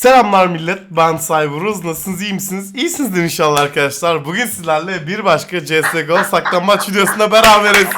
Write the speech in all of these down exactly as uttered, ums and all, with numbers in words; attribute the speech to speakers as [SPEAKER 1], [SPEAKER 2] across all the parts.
[SPEAKER 1] Selamlar millet, ben Cyberuz. Nasılsınız, iyi misiniz? İyisinizdir inşallah arkadaşlar. Bugün sizlerle bir başka C S G O saklanmaç videosunda beraberiz.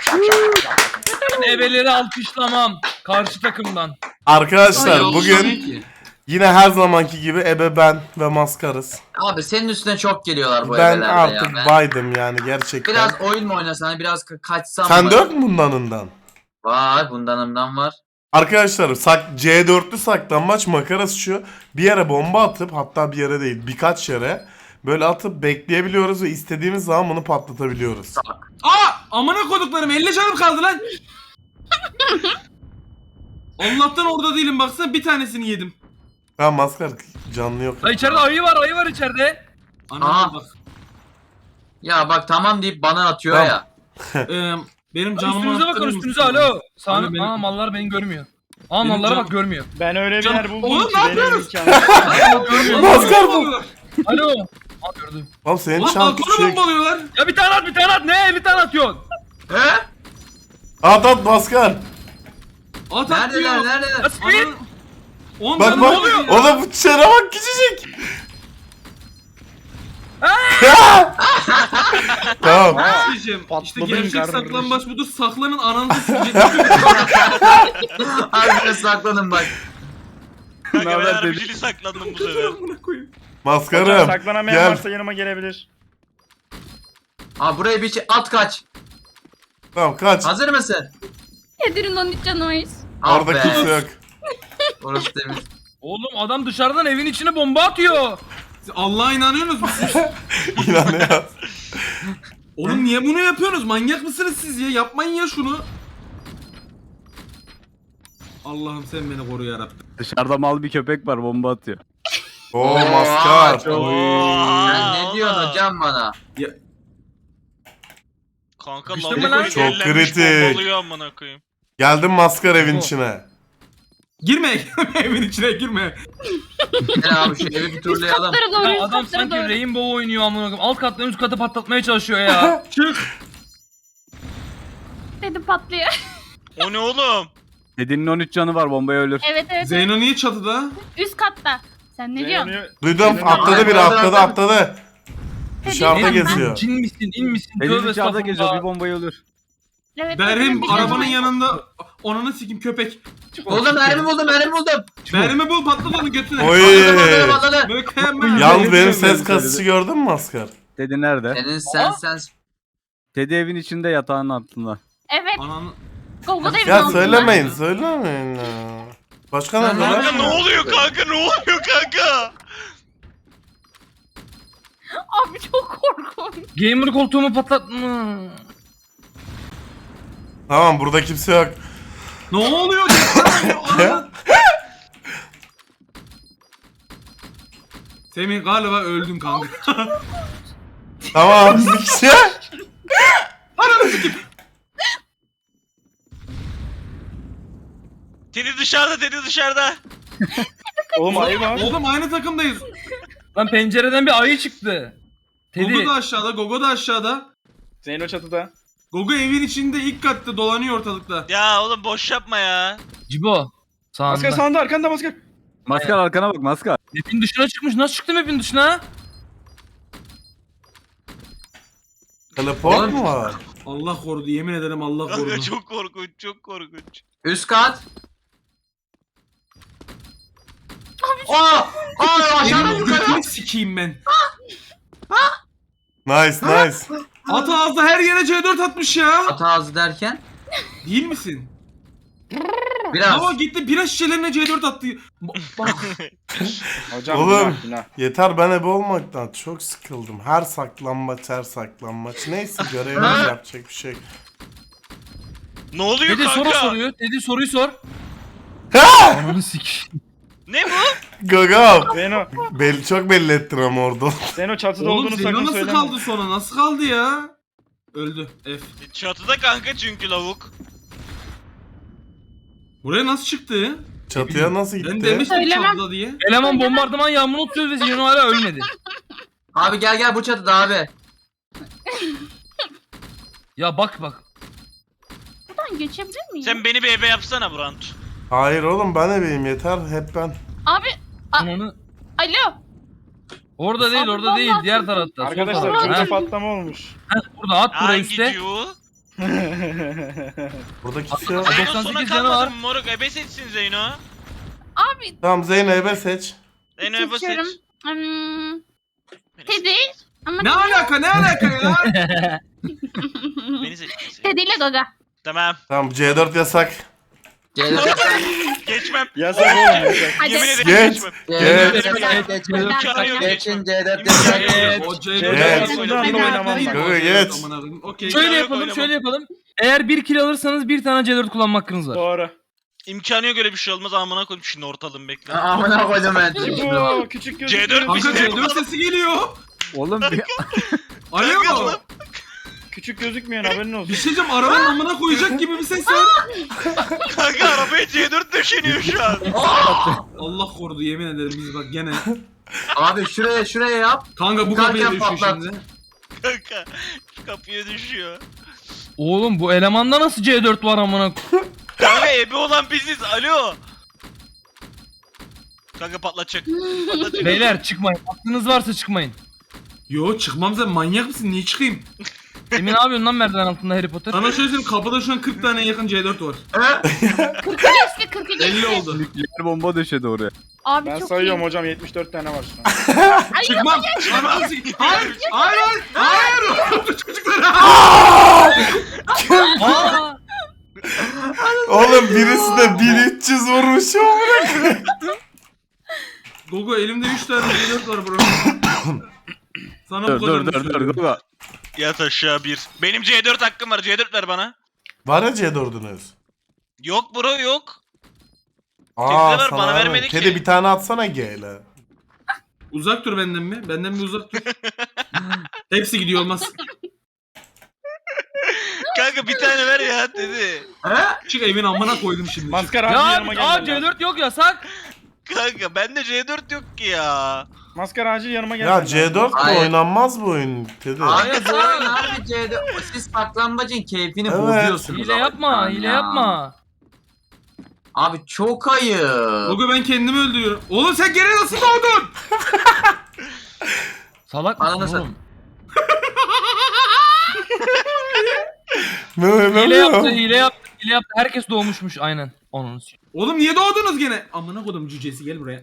[SPEAKER 2] Ebeleri alkışlamam karşı takımdan.
[SPEAKER 1] Arkadaşlar
[SPEAKER 3] Ay,
[SPEAKER 1] bugün
[SPEAKER 3] ki.
[SPEAKER 1] yine her zamanki gibi ebe ben ve maskarız.
[SPEAKER 3] Abi senin üstüne çok geliyorlar bu
[SPEAKER 1] Ben
[SPEAKER 3] evlerde
[SPEAKER 1] artık
[SPEAKER 3] ya. Ben
[SPEAKER 1] baydım yani gerçekten.
[SPEAKER 3] biraz oyun mu oynasan, hani biraz ka- kaçsam
[SPEAKER 1] Sen
[SPEAKER 3] mı?
[SPEAKER 1] dört mü bundanından?
[SPEAKER 3] Var, bundanımdan var.
[SPEAKER 1] Arkadaşlar sak C dörtlü saklanmaç makarası şu. Bir yere bomba atıp, hatta bir yere değil birkaç yere böyle atıp bekleyebiliyoruz ve istediğimiz zaman bunu patlatabiliyoruz.
[SPEAKER 3] Bak.
[SPEAKER 4] Aa! Amına koduklarım elli canım kaldı lan. Allah'tan orada değilim, baksana bir tanesini yedim.
[SPEAKER 1] Ha maskar canlı yok.
[SPEAKER 2] Ha, içeride ayı var, ayı var içeride.
[SPEAKER 4] Anam
[SPEAKER 3] Aa.
[SPEAKER 4] bak.
[SPEAKER 3] Ya bak tamam deyip bana atıyor
[SPEAKER 1] Tamam.
[SPEAKER 3] ya.
[SPEAKER 4] Ee, benim canımı
[SPEAKER 2] Üstünüze bakın,
[SPEAKER 4] attırır
[SPEAKER 2] üstünüze
[SPEAKER 4] mısın?
[SPEAKER 2] alo. Sağ
[SPEAKER 4] Abi benim-
[SPEAKER 2] Aa, mallar beni görmüyor. Aa,
[SPEAKER 4] Benim
[SPEAKER 2] mallara
[SPEAKER 4] can-
[SPEAKER 2] bak, görmüyor.
[SPEAKER 5] Ben öyle bir
[SPEAKER 4] Canım-
[SPEAKER 5] yer buldum
[SPEAKER 4] Oğlum
[SPEAKER 5] ki
[SPEAKER 4] ne
[SPEAKER 5] benim
[SPEAKER 4] yapıyorsunuz?
[SPEAKER 5] imkanım.
[SPEAKER 2] Görmüyor.
[SPEAKER 1] Maskar bu.
[SPEAKER 4] Bombalıyorlar.
[SPEAKER 2] Alo. Aa, gördüm.
[SPEAKER 1] Oğlum senin
[SPEAKER 4] Ulan
[SPEAKER 1] şan
[SPEAKER 4] balkonu
[SPEAKER 1] küçük.
[SPEAKER 4] bombalıyorlar.
[SPEAKER 2] Ya bir tane at, bir tane at. Ne? elli tane atıyorsun.
[SPEAKER 3] He?
[SPEAKER 1] At at maskar.
[SPEAKER 4] At at
[SPEAKER 3] Neredeler,
[SPEAKER 4] diyor.
[SPEAKER 3] neredeler?
[SPEAKER 2] Nasıl
[SPEAKER 4] Anam-
[SPEAKER 2] bir?
[SPEAKER 4] Oğlum
[SPEAKER 1] Bak
[SPEAKER 4] canım
[SPEAKER 1] bak.
[SPEAKER 4] ne oluyor?
[SPEAKER 1] Oğlum bu çene bak küçücük. Tamam.
[SPEAKER 4] Diyeceğim. İşte
[SPEAKER 5] Patladın
[SPEAKER 4] gerçek
[SPEAKER 5] kardeşim.
[SPEAKER 4] saklambaç budur. Saklanın ananızı silecek.
[SPEAKER 3] Harbiden saklanın bak.
[SPEAKER 6] Kanka ben
[SPEAKER 5] Naber
[SPEAKER 6] harbicili saklandım bu sefer.
[SPEAKER 4] Amına koyayım.
[SPEAKER 1] Maskarım.
[SPEAKER 5] Saklanamayan
[SPEAKER 1] Gel.
[SPEAKER 5] varsa yanıma gelebilir.
[SPEAKER 3] Aa buraya bir şey at kaç.
[SPEAKER 1] Tamam kaç.
[SPEAKER 3] Hazır mısın?
[SPEAKER 7] Edir'in on üç canavarıyız.
[SPEAKER 3] Ah
[SPEAKER 1] Orada
[SPEAKER 3] be.
[SPEAKER 1] kimse yok.
[SPEAKER 3] Orası temiz.
[SPEAKER 2] Oğlum adam dışarıdan evin içine bomba atıyor.
[SPEAKER 4] Siz Allah'a inanıyorsunuz mu siz?
[SPEAKER 1] İnanıyor.
[SPEAKER 4] Oğlum niye bunu yapıyorsunuz? Manyak mısınız siz ya? Yapmayın ya şunu. Allah'ım sen beni koru yarabbim.
[SPEAKER 5] Dışarıda mal bir köpek var bomba atıyor.
[SPEAKER 1] Oo
[SPEAKER 3] Oo,
[SPEAKER 1] maskar.
[SPEAKER 3] çok-
[SPEAKER 6] Oha,
[SPEAKER 3] Sen ne diyorsun
[SPEAKER 6] oğlum.
[SPEAKER 3] hocam bana?
[SPEAKER 4] Ya,
[SPEAKER 6] Kanka
[SPEAKER 2] Güçlü
[SPEAKER 6] mal
[SPEAKER 2] mü lan?
[SPEAKER 1] Çok kritik.
[SPEAKER 6] Bombalıyor amına koyayım.
[SPEAKER 1] Geldim maskar evin içine.
[SPEAKER 4] girme, girme evin içine girme.
[SPEAKER 3] Gel abi şu evi bir
[SPEAKER 7] Üst
[SPEAKER 3] turlayalım.
[SPEAKER 7] katlara doğru,
[SPEAKER 2] Ya
[SPEAKER 7] üst
[SPEAKER 2] adam
[SPEAKER 7] katlara
[SPEAKER 2] sanki
[SPEAKER 7] doğru.
[SPEAKER 2] Rainbow oynuyor amına koyayım. Alt katları üst katı patlatmaya çalışıyor ya.
[SPEAKER 4] Çık.
[SPEAKER 7] Dedim patlıyor.
[SPEAKER 6] O ne oğlum?
[SPEAKER 5] Dediğinin on üç canı var bombaya ölür.
[SPEAKER 7] Evet evet. evet.
[SPEAKER 4] Zeyno niye çatıda?
[SPEAKER 7] Üst katta. Sen ne diyorsun?
[SPEAKER 1] Duydum
[SPEAKER 5] Senin-
[SPEAKER 1] atladı biri atladı atladı. Dışarıda
[SPEAKER 7] Dedim,
[SPEAKER 1] geziyor.
[SPEAKER 2] Cin misin, in misin?
[SPEAKER 5] Deniz
[SPEAKER 2] Tövbe
[SPEAKER 5] dışarıda geziyor bir
[SPEAKER 2] estağfurullah.
[SPEAKER 5] bombaya ölür.
[SPEAKER 7] Evet,
[SPEAKER 4] Berhim
[SPEAKER 7] evet,
[SPEAKER 4] arabanın
[SPEAKER 7] evet.
[SPEAKER 4] yanında. Onunu sikim köpek.
[SPEAKER 3] Buldum mermi buldum mermi buldum.
[SPEAKER 4] Berhim'i bul, patlat onu götüne.
[SPEAKER 1] Oy.
[SPEAKER 3] Patladı patladı.
[SPEAKER 4] Mükemmel.
[SPEAKER 1] Yalnız benim
[SPEAKER 5] Benim
[SPEAKER 1] ses
[SPEAKER 5] söyledi.
[SPEAKER 1] kasışı gördün mü maskar?
[SPEAKER 5] Teddy nerede?
[SPEAKER 3] Senin sen sen.
[SPEAKER 5] Teddy evin içinde yatağın altında.
[SPEAKER 7] Evet.
[SPEAKER 4] Ananı.
[SPEAKER 7] Gogo da evin
[SPEAKER 1] Ya
[SPEAKER 7] altında.
[SPEAKER 1] söylemeyin söylemeyin ya. Başka
[SPEAKER 4] Sen
[SPEAKER 1] nerede
[SPEAKER 6] Kanka
[SPEAKER 1] lan?
[SPEAKER 6] ne oluyor kanka ne oluyor kanka?
[SPEAKER 7] Abi çok korkunç.
[SPEAKER 2] Gamer koltuğumu patlatma.
[SPEAKER 1] Tamam burada kimse yok.
[SPEAKER 4] Ne oluyor? Ananı- Semih galiba öldün kanka.
[SPEAKER 1] Tamam bir kişi.
[SPEAKER 6] Teddy dışarıda Teddy dışarıda.
[SPEAKER 5] Oğlum ayı var.
[SPEAKER 4] Oğlum aynı takımdayız.
[SPEAKER 2] Lan pencereden bir ayı çıktı.
[SPEAKER 4] Gogo
[SPEAKER 2] Teddy.
[SPEAKER 4] da aşağıda, Gogo da aşağıda.
[SPEAKER 5] Zeyno çatıda.
[SPEAKER 4] Gogo evin içinde ilk katta dolanıyor ortalıkta.
[SPEAKER 6] Ya oğlum boş yapma ya.
[SPEAKER 2] Cibo.
[SPEAKER 5] Maskar
[SPEAKER 2] Sağında.
[SPEAKER 5] sağında arkanda maskar. Maskar arkana bak maskar.
[SPEAKER 2] Map'in dışına çıkmış. Nasıl çıktı map'in dışına?
[SPEAKER 1] Teleport mu var?
[SPEAKER 4] Allah korudu, yemin ederim Allah
[SPEAKER 6] Kanka
[SPEAKER 4] korudu.
[SPEAKER 6] çok korkunç çok korkunç.
[SPEAKER 3] Üst kat. Aa! Aa aşağıdan
[SPEAKER 4] Senin
[SPEAKER 3] yukarı.
[SPEAKER 4] götünü sikeyim ben.
[SPEAKER 1] Nice nice.
[SPEAKER 4] At ağzı her yere C dört atmış ya.
[SPEAKER 3] At ağzı derken
[SPEAKER 4] Değil misin?
[SPEAKER 3] biraz.
[SPEAKER 4] Ama gitti bira şişelerine C dört attı. Ba- Bak.
[SPEAKER 5] Hocam
[SPEAKER 1] Oğlum.
[SPEAKER 5] günah, günah.
[SPEAKER 1] Yeter ben ebe olmaktan çok sıkıldım. Her saklanmaç her saklanmaç. Neyse görevimiz yapacak bir şey yok.
[SPEAKER 6] Ne oluyor
[SPEAKER 2] Teddy soru
[SPEAKER 6] kanka?
[SPEAKER 2] soruyor. Teddy soruyu sor.
[SPEAKER 1] Ha!
[SPEAKER 2] Ananı sik.
[SPEAKER 6] Ne bu?
[SPEAKER 1] Gagam.
[SPEAKER 5] Zeyno.
[SPEAKER 1] Belli, çok belli ettin ama orada.
[SPEAKER 5] Zeyno çatıda
[SPEAKER 4] Oğlum
[SPEAKER 5] olduğunu
[SPEAKER 4] Zeyno
[SPEAKER 5] sakın
[SPEAKER 4] nasıl
[SPEAKER 5] söyleme.
[SPEAKER 4] kaldı sonra? Nasıl kaldı ya? Öldü. F.
[SPEAKER 6] Çatıda kanka çünkü lavuk.
[SPEAKER 4] Buraya nasıl çıktı?
[SPEAKER 1] Çatıya nasıl
[SPEAKER 4] Ben
[SPEAKER 1] gitti?
[SPEAKER 4] demiştim
[SPEAKER 7] Söylemem.
[SPEAKER 4] çatıda diye.
[SPEAKER 2] Eleman bombardıman yağmurunu tutuyor ve Zeyno hala ölmedi.
[SPEAKER 3] Abi gel gel bu çatıda abi.
[SPEAKER 2] Ya bak bak.
[SPEAKER 7] Buradan geçebilir miyim?
[SPEAKER 6] Sen beni bir ebe yapsana Brant.
[SPEAKER 1] Hayır oğlum ben ebeyim yeter hep ben.
[SPEAKER 7] Abi
[SPEAKER 2] Ananı.
[SPEAKER 7] Alo.
[SPEAKER 2] Orada değil
[SPEAKER 7] Abi
[SPEAKER 2] orada değil
[SPEAKER 7] vallahi
[SPEAKER 2] diğer
[SPEAKER 7] çok-
[SPEAKER 2] tarafta. sol
[SPEAKER 5] Arkadaşlar
[SPEAKER 2] tarafta.
[SPEAKER 5] çatıda
[SPEAKER 2] Ha,
[SPEAKER 5] patlama olmuş.
[SPEAKER 2] ha, burada at buraya
[SPEAKER 6] Hangi
[SPEAKER 2] üstte.
[SPEAKER 6] cu?
[SPEAKER 1] Burada kimse yok.
[SPEAKER 6] Zeyno
[SPEAKER 2] doksan
[SPEAKER 6] sona
[SPEAKER 2] sekiz canı var.
[SPEAKER 6] kalmadın mı moruk? Ebe seçsin Zeyno.
[SPEAKER 7] Abi
[SPEAKER 1] Tamam Zeynep'e seç.
[SPEAKER 6] Zeyno ebe seç.
[SPEAKER 7] seçiyorum. Hmm, Teddy. Ama
[SPEAKER 4] Ne alaka ne alaka ya?
[SPEAKER 6] Beni seç. beni seç.
[SPEAKER 7] Teddy ile Gaga.
[SPEAKER 6] Tamam.
[SPEAKER 1] Tamam C dört yasak.
[SPEAKER 3] Gel.
[SPEAKER 6] Geçmem.
[SPEAKER 5] Yasak oğlum yasak.
[SPEAKER 7] Hadi.
[SPEAKER 6] Yemin ederim
[SPEAKER 1] Geç.
[SPEAKER 6] geçmem.
[SPEAKER 3] Geç.
[SPEAKER 1] Geç.
[SPEAKER 3] Geç.
[SPEAKER 6] İmkanı yok
[SPEAKER 3] Geçin
[SPEAKER 6] geçmem.
[SPEAKER 3] C dört
[SPEAKER 6] İmkanı
[SPEAKER 3] yasak.
[SPEAKER 6] yok.
[SPEAKER 4] O C
[SPEAKER 1] Evet.
[SPEAKER 4] dört
[SPEAKER 5] Bundan da oynamam ben.
[SPEAKER 1] Gaga geç.
[SPEAKER 4] Okey.
[SPEAKER 2] Şöyle
[SPEAKER 6] yok,
[SPEAKER 2] yapalım
[SPEAKER 6] oynamam.
[SPEAKER 2] şöyle yapalım. Eğer bir kill alırsanız bir tane C dört kullanma hakkınız var.
[SPEAKER 5] Doğru.
[SPEAKER 6] İmkanı yok öyle bir şey olmaz amına koyayım şimdi ortalığını bekle.
[SPEAKER 3] Amına koydum ben.
[SPEAKER 5] Bu küçük gözüküyor.
[SPEAKER 6] C dört
[SPEAKER 4] Kanka
[SPEAKER 6] biz
[SPEAKER 4] C dört sesi geliyor.
[SPEAKER 5] Oğlum bir
[SPEAKER 4] Alo.
[SPEAKER 5] küçük gözükmüyor haberin olsun.
[SPEAKER 4] Bir şey diyeceğim arabanın amına koyacak gibi bir ses var.
[SPEAKER 6] Kanka arabaya C dört döşeniyor şu an.
[SPEAKER 4] Allah korudu yemin ederim biz bak gene.
[SPEAKER 3] Abi şuraya şuraya yap.
[SPEAKER 4] Kanka bu
[SPEAKER 3] Kanka
[SPEAKER 4] kapıya düşüyor
[SPEAKER 3] patlat.
[SPEAKER 6] şey
[SPEAKER 4] şimdi.
[SPEAKER 6] Kanka şu kapıya düşüyor.
[SPEAKER 2] Oğlum bu elemanda nasıl C dört var amına?
[SPEAKER 6] Kanka ebe olan biziz. Alo. Kanka patlatacak. Patlatacak.
[SPEAKER 2] Beyler çıkmayın. Aklınız varsa çıkmayın.
[SPEAKER 4] Yo çıkmam sen manyak mısın niye çıkayım?
[SPEAKER 2] Emin ne yapıyorsun lan merdiven altında Harry Potter?
[SPEAKER 4] Sana şöyle söyleyeyim kapıda şu an kırk tane yakın C dört var.
[SPEAKER 7] kırkı geçti kırkı geçti.
[SPEAKER 4] elli oldu.
[SPEAKER 5] Nükleer bomba döşedi oraya.
[SPEAKER 7] Abi
[SPEAKER 5] Ben
[SPEAKER 7] çok
[SPEAKER 5] sayıyorum
[SPEAKER 7] iyi.
[SPEAKER 5] hocam yetmiş dört tane var şu an.
[SPEAKER 4] Çıkmam. Ananı sik- Hayır. Hayır hayır. Hayır. Çocuklar.
[SPEAKER 2] Aa!
[SPEAKER 1] Oğlum birisi de bin üç yüz vurmuş ya.
[SPEAKER 4] Gogo elimde üç tane C dört var bro. Sana
[SPEAKER 5] Dur
[SPEAKER 4] bu kadar
[SPEAKER 5] dur dur dur Gogo.
[SPEAKER 6] Yat aşağı bir. Benim C dört hakkım var. C dört ver bana.
[SPEAKER 1] Var ya C dördünüz.
[SPEAKER 6] Yok bro yok.
[SPEAKER 1] Aa
[SPEAKER 6] ver,
[SPEAKER 1] sana
[SPEAKER 6] bana
[SPEAKER 1] vermedi.
[SPEAKER 6] vermedi ki.
[SPEAKER 1] Kedi bir tane atsana G ile.
[SPEAKER 4] Uzak dur benden mi? Benden mi uzak dur? Hepsi gidiyor olmaz.
[SPEAKER 6] Kanka bir tane ver ya dedi.
[SPEAKER 4] Çık evin amına koydum şimdi.
[SPEAKER 5] Maskara
[SPEAKER 2] Ya
[SPEAKER 5] acil yanıma
[SPEAKER 2] abi, aa
[SPEAKER 5] gelmen
[SPEAKER 2] C
[SPEAKER 5] lazım.
[SPEAKER 2] dört yok yasak.
[SPEAKER 6] Kanka bende C dört yok ki ya.
[SPEAKER 5] Maskara acil yanıma gelmen
[SPEAKER 1] Ya
[SPEAKER 5] lazım.
[SPEAKER 1] C dört de
[SPEAKER 3] Hayır.
[SPEAKER 1] oynanmaz bu oyun Kedi.
[SPEAKER 3] Abi bu oyun abi C dört. Siz saklambacın keyfini
[SPEAKER 1] Evet.
[SPEAKER 3] bozuyorsunuz.
[SPEAKER 2] Hile
[SPEAKER 3] ama
[SPEAKER 2] yapma,
[SPEAKER 3] şu an
[SPEAKER 2] hile
[SPEAKER 3] ya.
[SPEAKER 2] yapma.
[SPEAKER 3] Abi çok ayıp.
[SPEAKER 4] Gogo ben kendimi öldürüyorum. Oğlum sen gene nasıl doğdun?
[SPEAKER 2] Salak
[SPEAKER 3] Ananı
[SPEAKER 2] mısın
[SPEAKER 3] sat-
[SPEAKER 2] oğlum?
[SPEAKER 1] Ne ne
[SPEAKER 2] Hile
[SPEAKER 1] ne?
[SPEAKER 2] yaptı, hile yaptı, hile yaptı. Herkes doğmuşmuş aynen. Onun.
[SPEAKER 4] Oğlum niye doğdunuz gene? Amına kodum cücesi gel buraya.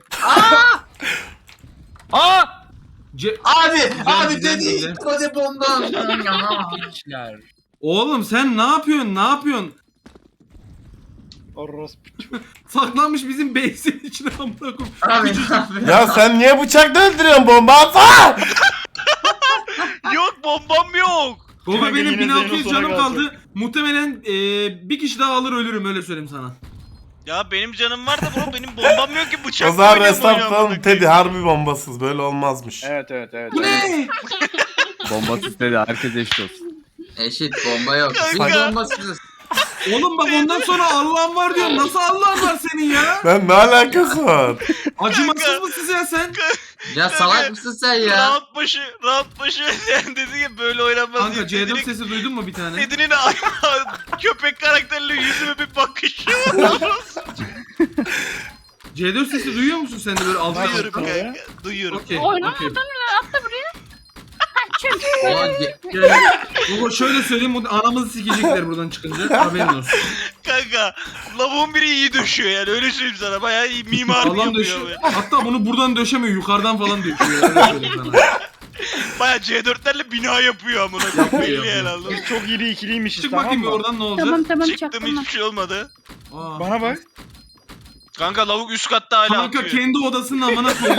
[SPEAKER 2] Aa!
[SPEAKER 4] Ce-
[SPEAKER 3] Abi
[SPEAKER 4] Güzel,
[SPEAKER 3] abi
[SPEAKER 4] güzel,
[SPEAKER 3] dedi.
[SPEAKER 4] güzel.
[SPEAKER 3] Hadi bomban.
[SPEAKER 2] İşler.
[SPEAKER 4] Oğlum sen ne yapıyorsun? Ne yapıyorsun?
[SPEAKER 5] Orospu.
[SPEAKER 4] Saklanmış bizim base'in içine amına koyayım.
[SPEAKER 3] Abi abi.
[SPEAKER 1] Ya sen niye bıçakla öldürüyorsun bomba atsana?
[SPEAKER 6] Yok bombam yok.
[SPEAKER 4] Gogo
[SPEAKER 5] Kanka
[SPEAKER 4] benim
[SPEAKER 5] yine
[SPEAKER 4] bin altı yüz
[SPEAKER 5] Zeyno sona
[SPEAKER 4] canım
[SPEAKER 5] kalacak.
[SPEAKER 4] kaldı. Muhtemelen eee, bir kişi daha alır ölürüm öyle söyleyeyim sana.
[SPEAKER 6] Ya benim canım var da bro benim bombam yok ki bıçak.
[SPEAKER 1] O zaman restartlayalım Teddy harbi bombasız böyle olmazmış.
[SPEAKER 5] Evet evet evet.
[SPEAKER 4] Bu ne?
[SPEAKER 5] Bombasız dedi herkes eşit olsun.
[SPEAKER 3] Eşit bomba yok. Biz
[SPEAKER 6] Kanka.
[SPEAKER 3] bombasızız.
[SPEAKER 4] Oğlum bak ondan sonra Allah'ın var diyorum. Nasıl Allah'ın var senin ya?
[SPEAKER 1] Ben ne alakası var?
[SPEAKER 4] Acımasız mısın ya sen?
[SPEAKER 3] Ya salak mısın sen ya?
[SPEAKER 6] Round başı, round başı sen dedi ki böyle oynanmaz.
[SPEAKER 4] Kanka
[SPEAKER 6] diye.
[SPEAKER 4] C dört
[SPEAKER 6] Teddy'nin-
[SPEAKER 4] sesi duydun mu bir tane?
[SPEAKER 6] Teddy'nin köpek karakterli yüzüme bir bakışı var.
[SPEAKER 4] C dört sesi duyuyor musun sen de böyle alttan
[SPEAKER 6] Duyuyorum
[SPEAKER 4] alttan?
[SPEAKER 6] kanka. Duyuyorum.
[SPEAKER 4] Okey.
[SPEAKER 7] Oyna
[SPEAKER 4] okey.
[SPEAKER 7] oradan atla buraya. Ha çünkü.
[SPEAKER 3] Ulan ge-
[SPEAKER 4] Gel. Gogo şöyle söyleyeyim bu anamızı sikecekler buradan çıkınca haberin olsun.
[SPEAKER 6] Kanka lavuğun biri iyi döşüyor yani öyle söyleyeyim sana bayağı iyi mimarlık
[SPEAKER 4] Adam
[SPEAKER 6] yapıyor.
[SPEAKER 4] döşüyor.
[SPEAKER 6] böyle.
[SPEAKER 4] Hatta bunu buradan döşemiyor yukarıdan falan döşüyor. Öyle söyleyeyim sana.
[SPEAKER 6] Bayağı C dörtlerle bina yapıyor amına
[SPEAKER 4] Yapıyor,
[SPEAKER 6] koyayım belli
[SPEAKER 4] yapıyor.
[SPEAKER 6] yani anladın mı?
[SPEAKER 5] Biz çok iri ikiliymişiz
[SPEAKER 4] Çık
[SPEAKER 5] tamam
[SPEAKER 4] bakayım bir
[SPEAKER 5] mı?
[SPEAKER 4] oradan ne olacak?
[SPEAKER 7] Tamam tamam
[SPEAKER 6] Çıktım
[SPEAKER 7] çaktım.
[SPEAKER 6] hiçbir şey olmadı.
[SPEAKER 4] Aa.
[SPEAKER 5] Bana bak.
[SPEAKER 6] Kanka lavuk üst katta hala
[SPEAKER 4] Kanka
[SPEAKER 6] atıyor.
[SPEAKER 4] kendi odasının amına koydu.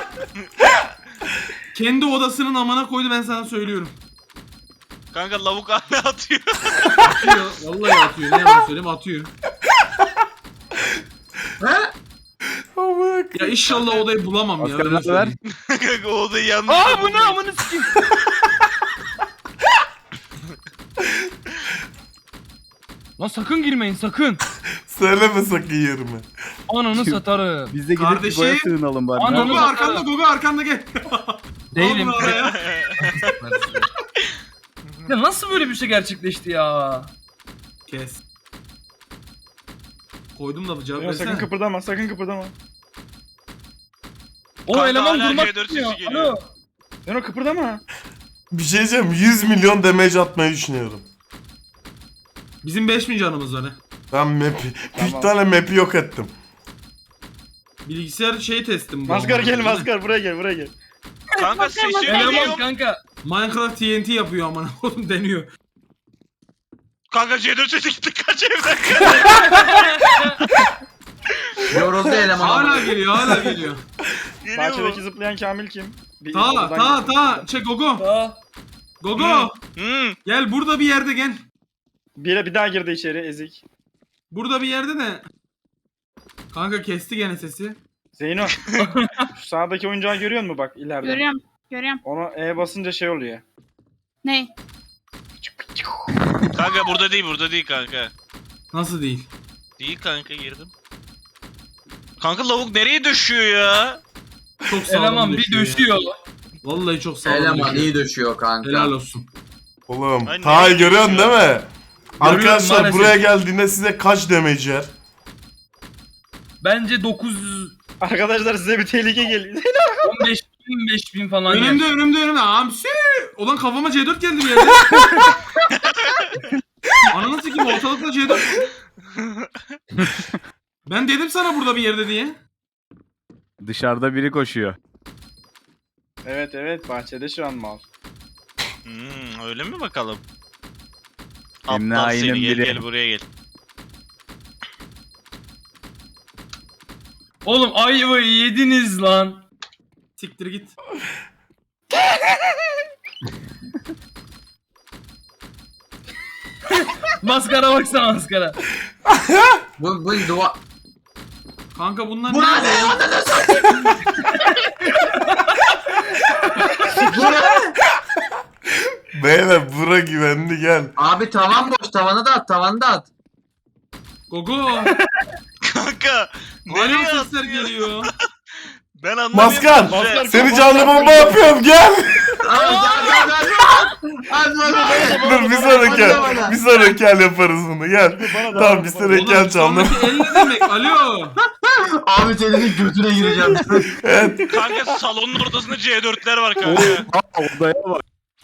[SPEAKER 4] Kendi odasının amına koydu ben sana söylüyorum.
[SPEAKER 6] Kanka lavuk hala atıyor.
[SPEAKER 4] Atıyor. Vallahi atıyor. Ne yalan söyleyeyim atıyor.
[SPEAKER 1] Amına
[SPEAKER 4] Ya inşallah odayı bulamam ya.
[SPEAKER 5] Maskara
[SPEAKER 4] öyle
[SPEAKER 5] ver.
[SPEAKER 4] söyleyeyim.
[SPEAKER 6] Kanka o odayı yanlış
[SPEAKER 2] Aa bu ne
[SPEAKER 6] buldum.
[SPEAKER 2] amına sikeyim. Lan sakın girmeyin sakın.
[SPEAKER 1] Söyleme sakın yerimi.
[SPEAKER 2] Ananı satarım.
[SPEAKER 5] Biz de gidip
[SPEAKER 4] Kardeşim.
[SPEAKER 5] boya sığınalım bari.
[SPEAKER 2] Ananı-
[SPEAKER 4] Gogo arkanda Gogo arkanda gel.
[SPEAKER 2] Değilim.
[SPEAKER 4] Al bunu araya.
[SPEAKER 2] Ya nasıl böyle bir şey gerçekleşti ya?
[SPEAKER 4] Kes. Koydum da cevap
[SPEAKER 5] Ya sakın
[SPEAKER 4] versene.
[SPEAKER 5] kıpırdama sakın kıpırdama.
[SPEAKER 2] O
[SPEAKER 6] Kanka
[SPEAKER 2] eleman
[SPEAKER 6] hala
[SPEAKER 2] durmak
[SPEAKER 6] C dört
[SPEAKER 2] istiyor.
[SPEAKER 6] sesi geliyor.
[SPEAKER 2] Alo.
[SPEAKER 5] Zeno kıpırdama.
[SPEAKER 1] Bir şey diyeceğim, yüz milyon damage atmayı düşünüyorum.
[SPEAKER 4] Bizim beş bin canımız var. he.
[SPEAKER 1] Ben map'i,
[SPEAKER 5] Tamam.
[SPEAKER 1] bir tane map'i yok ettim.
[SPEAKER 4] Bilgisayar şey testim bu.
[SPEAKER 5] Maskar
[SPEAKER 4] ama.
[SPEAKER 5] gel maskar buraya gel buraya gel.
[SPEAKER 6] Kanka sesi
[SPEAKER 2] Eleman
[SPEAKER 6] geliyor.
[SPEAKER 2] kanka.
[SPEAKER 4] Minecraft T N T yapıyor aman oğlum deniyor.
[SPEAKER 6] Kanka C dört sesi gitti kaç evden.
[SPEAKER 3] Yoruldu eleman.
[SPEAKER 4] Hala geliyor hala geliyor.
[SPEAKER 6] Geliyor
[SPEAKER 5] Bahçedeki
[SPEAKER 6] mu?
[SPEAKER 5] zıplayan Kamil kim? Bir
[SPEAKER 4] Ta
[SPEAKER 5] oradan
[SPEAKER 4] ta
[SPEAKER 5] gel.
[SPEAKER 4] ta çek Gogo.
[SPEAKER 2] Aa.
[SPEAKER 4] Gogo.
[SPEAKER 6] Hmm.
[SPEAKER 4] Gel burada bir yerde gel.
[SPEAKER 5] Bir, bir daha girdi içeri ezik.
[SPEAKER 4] Burada bir yerde de. Kanka kesti gene sesi.
[SPEAKER 5] Zeyno. Şu sağdaki oyuncağı görüyor musun bak ileride?
[SPEAKER 7] Görüyorum. Görüyorum.
[SPEAKER 5] Ona E basınca şey oluyor.
[SPEAKER 7] Ne?
[SPEAKER 6] Kanka burada değil burada değil kanka.
[SPEAKER 4] Nasıl değil?
[SPEAKER 6] Değil kanka girdim. Kanka lavuk nereye düşüyor ya?
[SPEAKER 4] Çok sağlam
[SPEAKER 2] Eleman bir
[SPEAKER 4] düşüyor ya.
[SPEAKER 2] döşüyor.
[SPEAKER 4] Vallahi çok sağlam
[SPEAKER 3] Eleman
[SPEAKER 4] düşüyor.
[SPEAKER 3] iyi döşüyor kanka.
[SPEAKER 4] Helal olsun.
[SPEAKER 1] Oğlum,
[SPEAKER 6] Ay,
[SPEAKER 1] Taha'yı
[SPEAKER 6] nereye
[SPEAKER 1] görüyorsun değil
[SPEAKER 6] gidiyorsun?
[SPEAKER 1] mi? Arkadaşlar
[SPEAKER 2] maalesef.
[SPEAKER 1] buraya geldiğinde size kaç damage yer?
[SPEAKER 2] Bence dokuz yüz
[SPEAKER 5] Arkadaşlar size bir tehlike geliyor.
[SPEAKER 2] on beş bin beş bin falan
[SPEAKER 4] Önümde
[SPEAKER 2] yer.
[SPEAKER 4] önümde önümde. Hamsi. Ulan kafama C dört geldi bir yerde. Ananı sikeyim ortalıkta C dört. Ben dedim sana burada bir yerde diye.
[SPEAKER 5] Dışarıda biri koşuyor. Evet evet bahçede şu an mal.
[SPEAKER 6] Hmm, öyle mi bakalım?
[SPEAKER 5] Emre
[SPEAKER 6] Aptal
[SPEAKER 5] ayının
[SPEAKER 6] seni gel
[SPEAKER 5] biri.
[SPEAKER 6] gel buraya gel.
[SPEAKER 2] Oğlum ayvayı yediniz lan.
[SPEAKER 4] Siktir git.
[SPEAKER 2] Maskara baksana maskara.
[SPEAKER 3] Bu bu dua.
[SPEAKER 4] Kanka bunlar
[SPEAKER 3] Bu
[SPEAKER 4] nerede
[SPEAKER 3] ne?
[SPEAKER 4] ya?
[SPEAKER 3] Ananı satayım. Bu ne?
[SPEAKER 1] Beyler bura güvenli gel.
[SPEAKER 3] Abi tavan boş, tavanı da at, tavanı da at.
[SPEAKER 4] Gogo.
[SPEAKER 6] Kanka
[SPEAKER 4] Hala
[SPEAKER 6] nereye
[SPEAKER 4] sesler
[SPEAKER 6] atıyor?
[SPEAKER 4] geliyor.
[SPEAKER 6] Ben anlamıyorum.
[SPEAKER 1] Maskar,
[SPEAKER 6] Maskar.
[SPEAKER 1] seni canlı bomba yapıyorum gel.
[SPEAKER 3] Abi gel gel gel. Hadi bana.
[SPEAKER 1] Dur bir sonraki el, bir sonraki el yaparız bunu gel. Tamam bir sonraki el canlı.
[SPEAKER 4] sonraki el ne demek? Alo.
[SPEAKER 3] Abi senin götüne gireceğim.
[SPEAKER 1] Evet.
[SPEAKER 6] Kanka salonun ortasında C dörtler var kanka.
[SPEAKER 5] Odaya bak.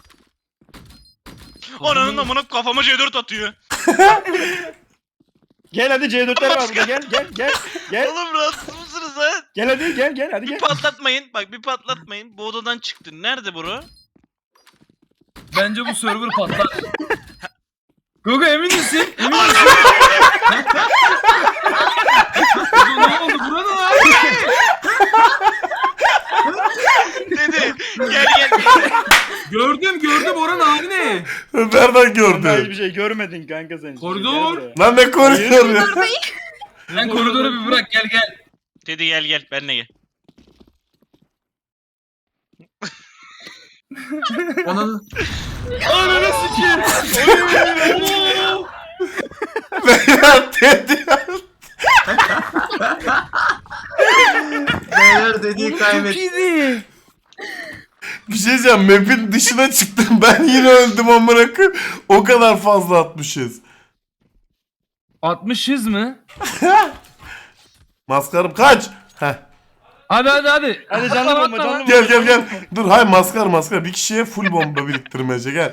[SPEAKER 6] Ananın amına kafama C dört atıyor.
[SPEAKER 5] Gel hadi C dörtler var burada gel gel gel. Gel
[SPEAKER 6] Oğlum rahatsız mısınız ha?
[SPEAKER 5] gel hadi gel gel hadi
[SPEAKER 6] Bir
[SPEAKER 5] gel.
[SPEAKER 6] patlatmayın. Bak bir patlatmayın. Bu odadan çıktın. Nerede bro?
[SPEAKER 2] Bence bu server patlar. Gogo emin misin? Emin misin?
[SPEAKER 4] Gogo ne oldu? Burada abi.
[SPEAKER 6] Dedi. Gel gel.
[SPEAKER 4] Gördüm gördüm oranın hali ne?
[SPEAKER 1] Nereden
[SPEAKER 5] Kanka
[SPEAKER 1] gördün?
[SPEAKER 5] hiçbir şey görmedin kanka sen.
[SPEAKER 4] Koridor.
[SPEAKER 5] Gel buraya.
[SPEAKER 1] Lan ne konuşuyorsun?
[SPEAKER 2] Sen koridoru bir bırak gel gel.
[SPEAKER 6] Dedi gel gel. Benle gel.
[SPEAKER 3] Onun
[SPEAKER 2] Ananı sikeyim.
[SPEAKER 1] Beyler dedi.
[SPEAKER 3] beyler dediği kaybetti.
[SPEAKER 1] Bir şey diyeceğim, map'in dışına çıktım ben yine öldüm amına koyayım. O kadar fazla atmışız.
[SPEAKER 2] altmışız mı?
[SPEAKER 1] Maskarım kaç. Heh.
[SPEAKER 2] Hadi hadi hadi.
[SPEAKER 5] Hadi canlı bomba canlı bomba.
[SPEAKER 1] Gel gel gel. Dur hay maskar maskar bir kişiye full bomba biriktirmece gel.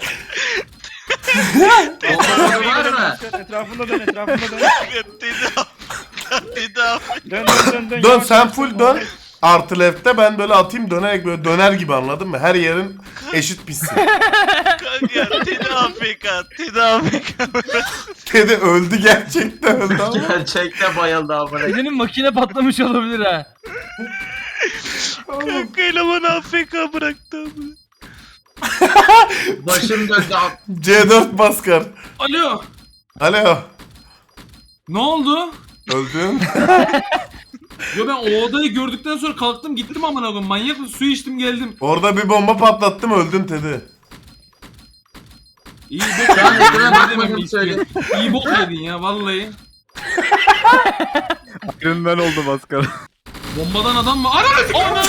[SPEAKER 3] Bomba var mı?
[SPEAKER 5] Etrafında dön etrafında dön.
[SPEAKER 6] Dedi abi. Dedi abi.
[SPEAKER 5] Dön dön dön dön.
[SPEAKER 1] Dön
[SPEAKER 5] Yavaş,
[SPEAKER 1] sen
[SPEAKER 5] yavaş,
[SPEAKER 1] full
[SPEAKER 5] yavaş.
[SPEAKER 1] dön. Artı left'te ben böyle atayım dönerek böyle döner gibi anladın mı? Her yerin eşit pissin.
[SPEAKER 6] Kanka Dedi A F K. Dedi A F K.
[SPEAKER 1] Dedi öldü gerçekten öldü ama.
[SPEAKER 3] Gerçekten bayıldı amına.
[SPEAKER 2] Senin makine patlamış olabilir ha.
[SPEAKER 6] Kanka eleman A F K bıraktı abi.
[SPEAKER 3] Başım döndü abi.
[SPEAKER 1] C dört maskar.
[SPEAKER 4] Alo.
[SPEAKER 1] Alo.
[SPEAKER 4] Ne oldu?
[SPEAKER 1] Öldün.
[SPEAKER 4] Yo ben o odayı gördükten sonra kalktım gittim amına koyayım. Manyak mısın? Su içtim geldim.
[SPEAKER 1] Orada bir bomba patlattım öldün Teddy.
[SPEAKER 4] İyi bok
[SPEAKER 3] Şu an
[SPEAKER 4] yedin.
[SPEAKER 3] ekrana
[SPEAKER 4] Ne
[SPEAKER 3] bakmadım
[SPEAKER 4] demek
[SPEAKER 3] söyle.
[SPEAKER 4] istiyorsun? İyi bok yedin ya vallahi.
[SPEAKER 5] Iron Man oldu maskara.
[SPEAKER 4] Bombadan adam mı? Ananı Ananı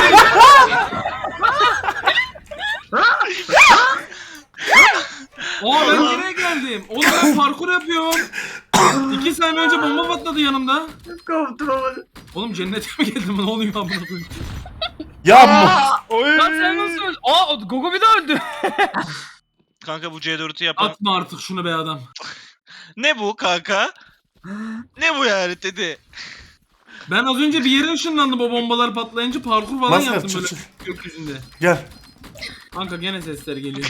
[SPEAKER 4] Aa ben nereye geldim? Oğlum ben parkur yapıyorum. İki saniye önce bomba patladı yanımda.
[SPEAKER 3] Koptum ama.
[SPEAKER 4] Oğlum cennete mi geldim? Ne oluyor amına koyayım?
[SPEAKER 1] Ya mu-
[SPEAKER 2] Lan sen nasıl öldün? Aa Gogo bir daha öldü.
[SPEAKER 6] Kanka bu C dört'ü yapan.
[SPEAKER 4] Atma artık şunu be adam.
[SPEAKER 6] Ne bu kanka? Ne bu yani dedi.
[SPEAKER 4] Ben az önce bir yere ışınlandım o bombalar patlayınca parkur falan
[SPEAKER 1] Maskar,
[SPEAKER 4] yaptım
[SPEAKER 1] çık,
[SPEAKER 4] böyle
[SPEAKER 1] çık.
[SPEAKER 4] gökyüzünde.
[SPEAKER 1] Gel.
[SPEAKER 4] Kanka gene sesler geliyor.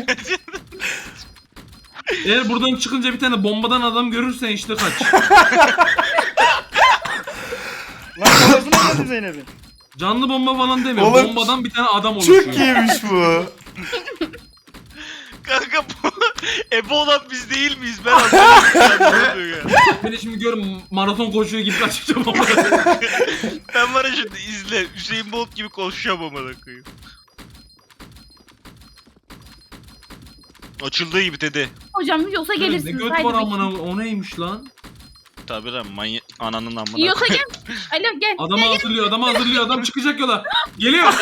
[SPEAKER 4] Eğer buradan çıkınca bir tane bombadan adam görürsen işte kaç.
[SPEAKER 5] Lan kafasına vurdu Zeynep'in.
[SPEAKER 4] Canlı bomba falan demiyorum.
[SPEAKER 1] Oğlum,
[SPEAKER 4] Bombadan bir tane adam oluşuyor.
[SPEAKER 1] Çok iyiymiş bu.
[SPEAKER 6] Kanka bu ebe olan biz değil miyiz? Ben anlamadım. ya.
[SPEAKER 4] Beni şimdi gör maraton koşuyor gibi kaçacağım ama.
[SPEAKER 6] Ben var ya şimdi izle. Hüseyin Bolt gibi koşacağım amına koyayım. Açıldığı gibi dedi.
[SPEAKER 7] Hocam yiyorsa
[SPEAKER 4] ne
[SPEAKER 7] gelirsiniz.
[SPEAKER 4] göt
[SPEAKER 7] Haydi
[SPEAKER 4] var
[SPEAKER 7] bakayım.
[SPEAKER 4] amına o neymiş lan?
[SPEAKER 6] Tabii lan manyak ananın amına.
[SPEAKER 7] Yiyorsa gel. Alo gel.
[SPEAKER 4] Adamı hazırlıyor, adamı hazırlıyor, adam çıkacak yola. Geliyor.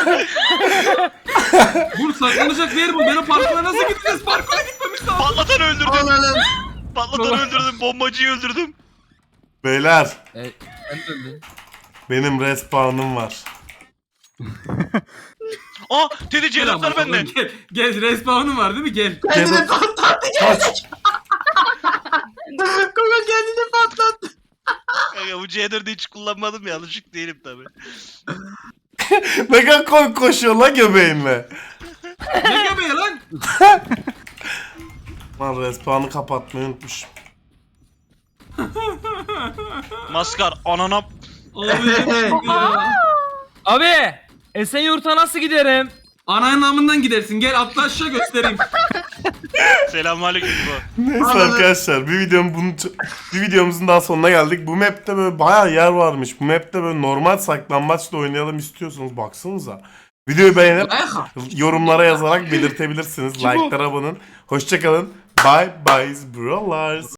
[SPEAKER 4] Dur saklanacak bir yer bu. Ben o parkura nasıl gideceğiz? Parkura gitmemiş lazım.
[SPEAKER 6] Patlatan öldürdüm.
[SPEAKER 3] Ananın.
[SPEAKER 6] Patlatan öldürdüm. Bombacıyı öldürdüm.
[SPEAKER 1] Beyler
[SPEAKER 2] Ben de öldüm.
[SPEAKER 1] benim respawn'ım var.
[SPEAKER 6] Aa dedi C
[SPEAKER 4] Gel
[SPEAKER 6] dört'ler
[SPEAKER 4] amına
[SPEAKER 6] bende.
[SPEAKER 4] koyayım, Gel, gel respawn'un var değil mi? Gel.
[SPEAKER 3] Kendini patlattı.
[SPEAKER 1] Kaç.
[SPEAKER 3] Gogo kendini patlattı.
[SPEAKER 6] Kanka bu C dört'ü hiç kullanmadım ya. Alışık değilim tabii.
[SPEAKER 1] Ne kadar koy koşuyor la göbeğinle.
[SPEAKER 4] Ne göbeği lan?
[SPEAKER 1] Lan respawn'ı kapatmayı unutmuşum.
[SPEAKER 6] Maskar anana.
[SPEAKER 4] Abi. ya.
[SPEAKER 2] Abi Esenyurt'a nasıl giderim?
[SPEAKER 4] Ananın namından gidersin. Gel atla aşağı göstereyim.
[SPEAKER 6] Selamünaleyküm bu.
[SPEAKER 1] Neyse
[SPEAKER 3] Anladım.
[SPEAKER 1] arkadaşlar bir videom bunu bir videomuzun daha sonuna geldik. Bu map'te böyle bayağı yer varmış. Bu map'te böyle normal saklambaçla oynayalım istiyorsanız baksanıza. Videoyu beğenip yorumlara yazarak belirtebilirsiniz. Like'lara abone olun. Hoşçakalın. Bye bye brothers.